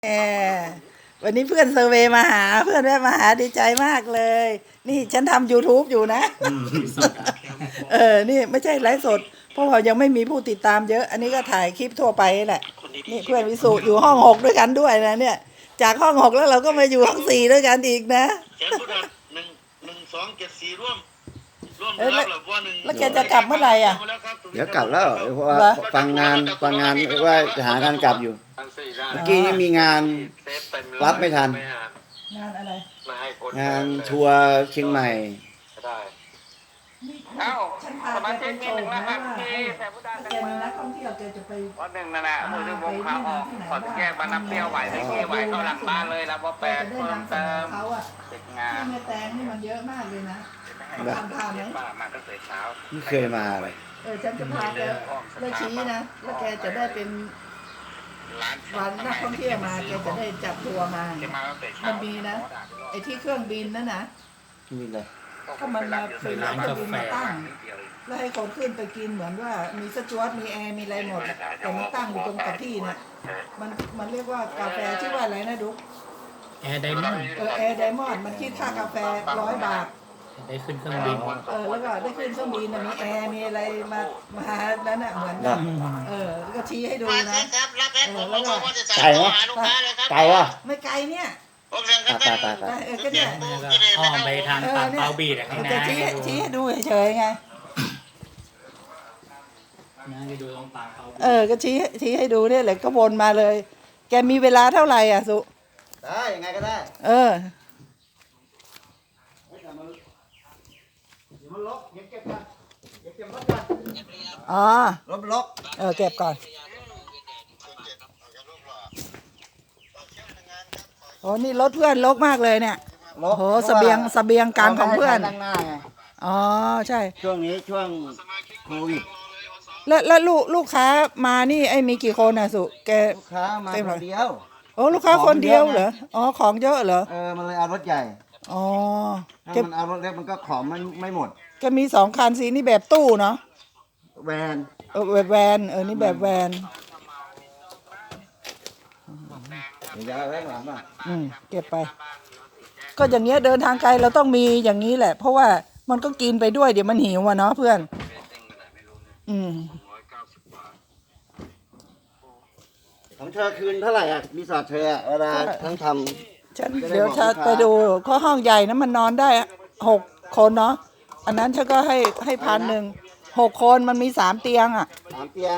แหมวันนี้เพื่อนเซอร์เวย์มาหาเพื่อนแวะมาหาดีใจมากเลย นี่ฉันทำ YouTube อยู่นะนี่ไม่ใช่ไลฟ์สดเพราะว่ายังไม่มีผู้ติดตามเยอะ อันนี้ก็ถ่ายคลิปทั่วไปแหละนี่เพื่อนวิสุอยู่ห้อง6ด้วยกันด้วยนะเนี่ยจากห้อง6แล้วเราก็มาอยู่ห้อง4ด้วยกันอีกนะแกพูดว่า1 1 2 7 4ร่วมแล้วแกจะกลับเมื่อไหร่อ่ะเดี๋ยวกลับแล้วเพราะว่าฟังงานว่าจะหางานกลับอยู่เมื่อกี้นี่มีงานรับไม่ทันงานอะไรงานทัวร์เชียงใหม่ฉันพาแกไปโชว์นะว่าแกมีนักท่องเที่ยวแกจะไปวันหนึ่งนั่นแหละมือถึงวงเขาขอแยกมาน้ำเปรี้ยวไหวไม่เที่ยวไหวเข้าหลังบ้านเลยแล้วว่าแปลงเพิ่มเติมเด็กงานที่แม่แตงนี่มันเยอะมากเลยนะทานไหมมาตั้งแต่เช้าไม่เคยมาเลยฉันจะพาแกแล้วชี้นะแล้วแกจะได้เป็นวันนักท่องเที่ยวมาแกจะได้จับทัวร์มามันมีนะไอ้ที่เครื่องบินนั่นนะมีอะไรก็มันมาเป็นร้านเครื่องบินมาตั้งแล้วให้คนขึ้นไปกินเหมือนว่ามีสจ๊วตมีแอร์มีอะไรหมดแต่มันตั้งอยู่ตรงกับที่นะมันเรียกว่ากาแฟชื่อว่าอะไรนะดุ๊กแอร์ไดมอนด์แอร์ไดมอนด์มันคิดค่ากาแฟ100 บาทได้ขึ้นเครื่องบินแล้วก็ได้ขึ้นเครื่องบินมีแอร์มีอะไรมานั้นน่ะเหมือนแล้วก็ชี้ให้ดูนะแล้วก็ไก่วะไก่วะไม่ไกลเนี่ยตายก็เนี่ยอ้อมไปทางปากเปาบีดข้างหน้าชี้ให้ดูเฉยๆไงนะไปดูตรงปากเปาบีก็ชี้ให้ดูเนี่ยแหละก็วนมาเลยแกมีเวลาเท่าไหร่อ่ะสุได้ยังไงก็ได้มันล็อกเก็บกันเก็บรถกันรถล็อกเก็บก่อนโอ้นี่รถเพื่อนลกมากเลยเนี่ยโอ้โหเสบียงการของเพื่อนอ๋อใช่ช่วงนี้ช่วงโควิดแล้วลูกค้ามานี่มีกี่คนน่ะสุแกลูกค้ามาคนเดียวโอ้ลูกค้าคนเดียวเหรอของเยอะเหรอมันเลยเอารถใหญ่ถ้ามันเอารถเล็กมันก็ของมันไม่หมดก็มี2 คันสีนี่แบบตู้เนาะแวนแบบแวนนี่แบบแวนเดี๋ยวจะแวนหลังป่ะเก็บไปก็อย่างเงี้ยเดินทางไกลเราต้องมีอย่างนี้แหละเพราะว่ามันก็กินไปด้วยเดี๋ยวมันหิวเนาะเพื่อนของเธอคืนเท่าไหร่อ่ะรีสอร์ทเธอเวลาทั้งทำฉันเดี๋ยวฉันไปดูข้อห้องใหญ่นะมันนอนได้6 คนเนาะอันนั้นฉันก็ให้1,000 6 คนมันมี3 เตียงอ่ะ 3 เตียง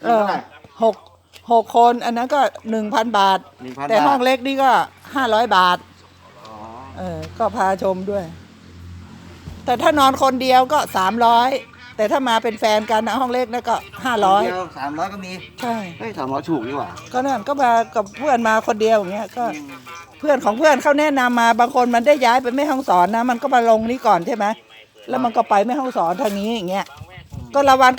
6 คนอันนั้นก็ 1,000 บาทแต่ห้องเล็กนี่ก็500 บาทก็พาชมด้วยแต่ถ้านอนคนเดียวก็300แต่ถ้ามาเป็นแฟนกันนะห้องเล็กนะก็ 300ก็มีใช่ 300ถูกนี่หว่าก็นั่นก็มากับเพื่อนมาคนเดียวอย่างเงี้ยก็เพื่อนของเพื่อนเขาแนะนำมาบางคนมันได้ย้ายไปแม่ฮ่องสอนนะมันก็มาลงนี่ก่อนใช่ไหมแล้วมันก็ไปแม่ฮ่องสอนทางนี้อย่างเงี้ยก็ละวัน